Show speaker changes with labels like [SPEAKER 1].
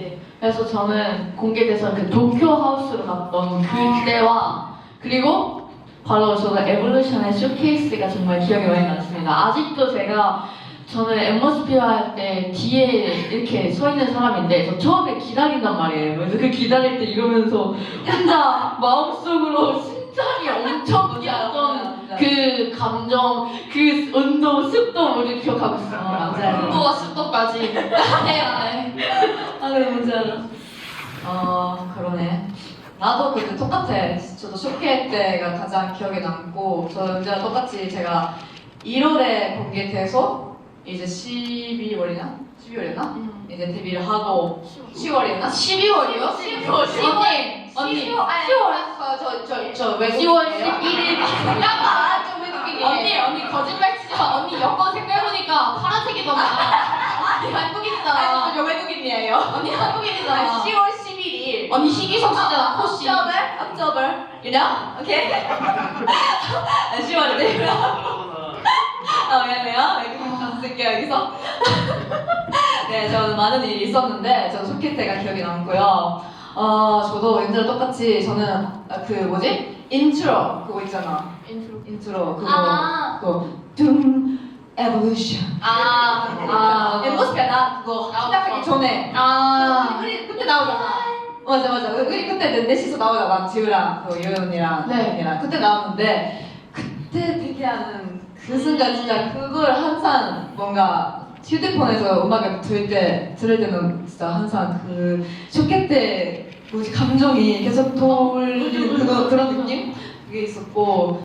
[SPEAKER 1] 네. 그래서 저는 공개돼서 그 도쿄 하우스로 갔던 그때와 그리고 바로 저는 에볼루션의 쇼케이스가 정말 기억에 많이 남습니다. 아직도 저는 엠머스피어 할 때 뒤에 이렇게 서 있는 사람인데 저 처음에 기다린단 말이에요. 그래서 그 기다릴 때 이러면서 혼자 마음속으로 심장이 엄청 뛰었던 그 감정, 그 온도, 습도를 기억하고 있어요.
[SPEAKER 2] 맞아요.
[SPEAKER 1] 온도와 습도까지. 네. 아, 그래 뭔지 알아.
[SPEAKER 2] 그러네. 나도 그때 똑같아. 저도 쇼케 때가 가장 기억에 남고, 저 언제나 똑같이 제가 1월에 공개돼서 이제 12월이나? 12월이나? 이제 데뷔를 하고 10월이었나?
[SPEAKER 1] 12월이요?
[SPEAKER 2] 10월.
[SPEAKER 1] 언니.
[SPEAKER 2] 10월. 저 외국.
[SPEAKER 1] 10월 11일.
[SPEAKER 2] 잠깐만, 좀 외국인이네.
[SPEAKER 1] 언니 거짓말 치지 마. 언니 여권 생각해보니까 파란색이더만. 언니 한국인이잖아.
[SPEAKER 2] 저 외국인이에요.
[SPEAKER 1] 언니 한국인이잖아.
[SPEAKER 2] 10월 11일.
[SPEAKER 1] 언니 희귀성씨잖아. 호씨.
[SPEAKER 2] October. You know? Okay? 10월이네. 미안해요. 외국인 가서 쓸게요, 여기서. 네, 저는 많은 일이 있었는데, 저도 쇼케 때가 기억에 남고요. 저도 얘들랑 똑같이, 저는, 인트로, 그거 있잖아. 인트로, 그거.
[SPEAKER 1] 아.
[SPEAKER 2] 그거. 둠, 에볼루션. 엠버스피아 그거 시작하기 전에. 우리 그때 나오잖아. 맞아. 우리 그때 넷이서 나오잖아. 지우랑, 요연이랑,
[SPEAKER 1] 네.
[SPEAKER 2] 언니랑. 그때 나왔는데, 그때 데뷔하는 그 순간 진짜 그걸 항상 뭔가 휴대폰에서 음악을 들을 때는 진짜 항상 그 쇼케 때 감정이 계속 돌리는 그런 느낌? 그게 있었고